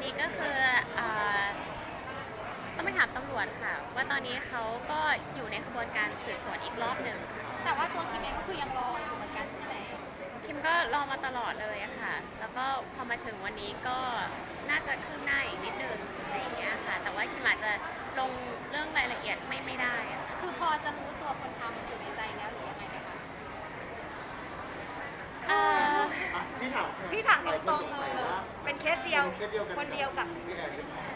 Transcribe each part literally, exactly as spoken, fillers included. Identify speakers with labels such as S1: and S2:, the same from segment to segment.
S1: นี้ก็คือเอ่อต้องไปถามตำรวจค่ะว่าตอนนี้เขาก็อยู่ในกระบวนการสืบสวนอีกรอบหนึ่ง
S2: แต่ว่าตัวคิมเองก็คือยังรออยู่เหมือนกันใช่ไหม
S1: คิมก็รอมาตลอดเลยอะค่ะแล้วก็พอมาถึงวันนี้ก็น่าจะคืบหน้าอีกนิดนึงอะไรอย่างเงี้ยค่ะแต่ว่าคิมอาจจะลงเรื่องรายละเอียดไม่ไม่ได้อะค่ะ
S2: คือพอจะรู้ตัวคนทำอยู่ในใจแล้วหรือยังไงไหมคะ
S1: เอ่อ
S3: อ่ะพี่ถาม
S4: พี่ถามตรงๆ
S3: ห
S4: เล
S3: ลาย
S4: ย
S3: คนสงสัว่า
S4: เป็นเคสเดียว
S3: ป็เคสเดียวกัน
S4: คนเดียวกับ
S3: พี่แอนหรือเปล่า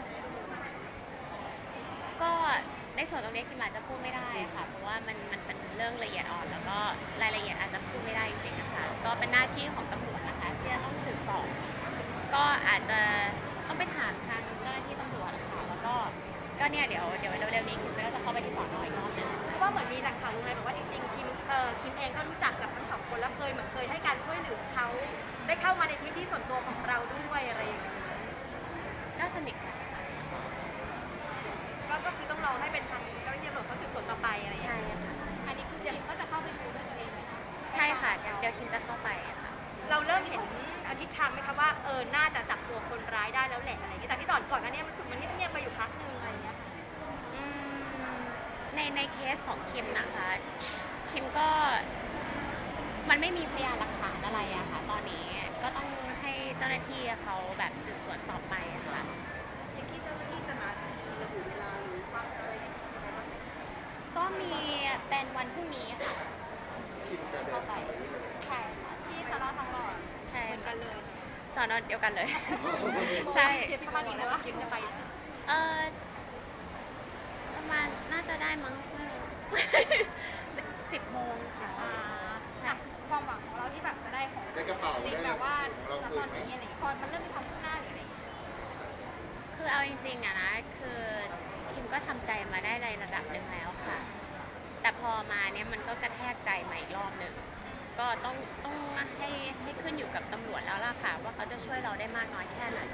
S1: ก็ในส่วนตรงนี้คิมอาจจะพูดไม่ได้ค่ะเพราะว่ามันมันเป็นเรื่องละเอียดอ่อนแล้วก็รายละเอียดอาจจะพูดไม่ได้จริงๆนะคะก็เป็นหน้าที่ของตำรวจนะคะที่จะต้องสืบต่อก็อาจจะต้องไปถามทางเจ้าหน้าที่ตำรวจค่ะแล้วก็ก็เนี่ยเดี๋ยวเดี๋ยวเร็วๆนี้คิมก็จะเข้าไปที่สอนออีกรอบหนึง
S4: เพราะว่าเหมือนมีแหล่งข่าววงในบอกว่าจริงๆคิมเอ่อคิมเองก็รู้จักกับทั้งสองคนแล้วเคยเหมือนเคยให้การช่วยเหลือเขาได้เข้ามาในพื้นที่ส่วนตัวของเราด้วยอะไรอย่างเงี้ย
S1: น่าสนิทค่ะ
S4: ก็ก็คือต้องรอให้เป็นทางเจ้าหน้าที่ตำรวจเขาสืบสวนต่อไปอะไรอย่างเงี้ย
S1: ใช่ค่ะ
S2: อันนี้คือคิมก็จะเข้าไปดูด้วยตัวเองไหมคะ
S1: ใช่ค่ะเดี๋ยวเดี๋ยวคิมจะเข้าไปอะค่ะ
S4: เราเริ่มเห็นอาทิตย์ทางไหมคะว่าเออน่าจะจับตัวคนร้ายได้แล้วแหละอะไรอย่างเงี้ยจากที่ตอนก่อนหน้านี้มันรู้สึกมันเงียบๆไปอยู่พักนึงอะไรอย่างเงี้ย
S1: อืมในในเคสของคิมนะคะคิมก็มันไม่มีพยานหลักฐานอะไรอะค่ะตอนนี้ก็ต้องให้เจ้าหน้าที่เขาแบบสืบสวนต่อไปอะค่ะ
S4: อย่างที่เจ้าหน้าที่จะนัดระบุเวลาหรือว่าอะไร
S1: ก็มีเป็นวันพรุ่งนี้ค่ะ
S3: คิมจะเดินทางไปนี่เลย
S1: ใช่ค่ะ
S2: ที่สนทองหล่อ
S1: ใช่
S4: เหมือนกันเลย
S1: สอนอเดียวกันเลย ใช่
S4: เดี๋ยวพี่ว่าดีนะว่าคิมจะไป
S1: เออประมาณน่าจะได้มั้ง สิบโมงค่ะ
S2: อ่าอ่ะความหวังของเราที่แบบจะได้ของ
S3: ได้กระเป๋า
S2: จริง
S3: ได้
S2: แบบว่า
S3: เรา
S2: ณ
S3: คื
S2: ตอน น
S3: ไหม
S2: นี้อะไรอย่างเงี้ยพอมันเริ่มมีความคืบหน้าหรืออะไรอย่างเงี้ย
S1: คือเอาจริงๆอะนะคือคิมก็ทำใจมาได้ในระดับหนึ่งแล้วค่ะ แต่พอมาเนี่ยมันก็กระแทกใจมาอีกรอบหนึ่งก็ต้องต้องให้ให้ขึ้นอยู่กับตำรวจแล้วล่ะค่ะ ว่าเขาจะช่วยเราได้มากน้อยแค่ไหน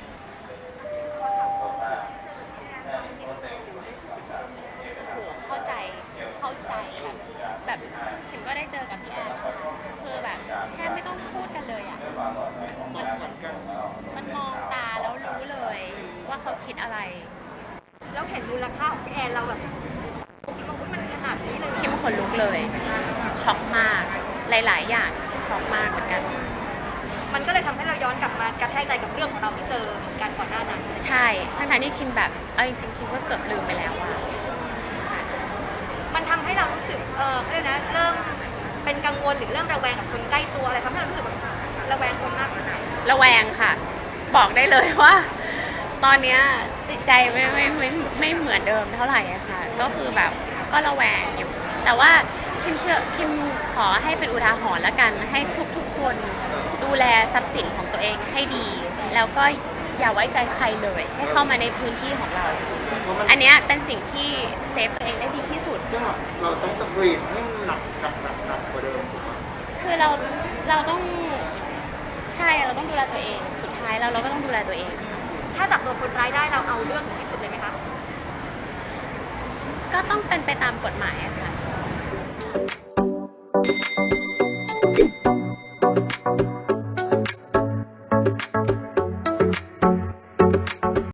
S1: โหเข้าใจเข้าใจแบบแบบคิมก็ได้เจอกับพี่แอนคือแบบแค่ไม่ต้องพูดกันเลยอะ
S3: เหมือนเหมือนกัน
S1: มันมองตาแล้วรู้เลยว่าเขาคิดอะไร
S4: แล้วเห็นมูลค่าของพี่แอนเราแบบคิดว่าอุ๊ยมันขนาดนี้เลย
S1: คิมขนลุกเลย ช็อกมาก หลาย ๆ อย่างช็อกมากเหมือนกัน
S4: มันก็เลยทำให้เราย้อนกลับมากระแทกใจกับเรื่องของเราที่เจอกันก่อนหน้านั้น
S1: ใช่ ทั้งๆที่คิมแบบ เอาจริงๆคิมก็เกือบลืมไปแล้วอะค่ะ
S4: มันทำให้เรารู้สึกเออเขาเรียกนะเริ่มเป็นกังวลหรือเริ่มระแวงกับคนใกล้ตัวอะไรทำให้เรารู้สึกแบบระแวงคนมากขนาดไหน
S1: ระแวงค่ะ บอกได้เลยว่า ตอนเนี้ยจิตใจไม่ไม่ไม่ไม่เหมือนเดิมเท่าไหร่อะค่ะ ก็คือแบบก็ระแวงอยู่ แต่ว่าคิมเชื่อคิมขอให้เป็นอุทาหรณ์แล้วกัน ให้ทุกๆคนดูแลทรัพย์สินของตัวเองให้ดี แล้วก็อย่าไว้ใจใครเลย ให้เข้ามาในพื้นที่ของเรา
S3: เพราะมัน
S1: อันเนี้ยเป็นสิ่งที่เซฟตัวเองได้ดีที่สุด
S3: ซึ่งเราต้องตะกรีดให้หนักหนักหนักหนักกว่าเดิมถูกไหม
S1: คือเราเราต้องใช่เราต้องดูแลตัวเอง สุดท้ายแล้วเราก็ต้องดูแลตัวเอง
S4: ถ้าจับตัวคนร้ายได้เราเอาเรื่องถึงที่สุดเลยไหมคะ
S1: ก็ต้องเป็นไปตามกฎหมายอะค่ะ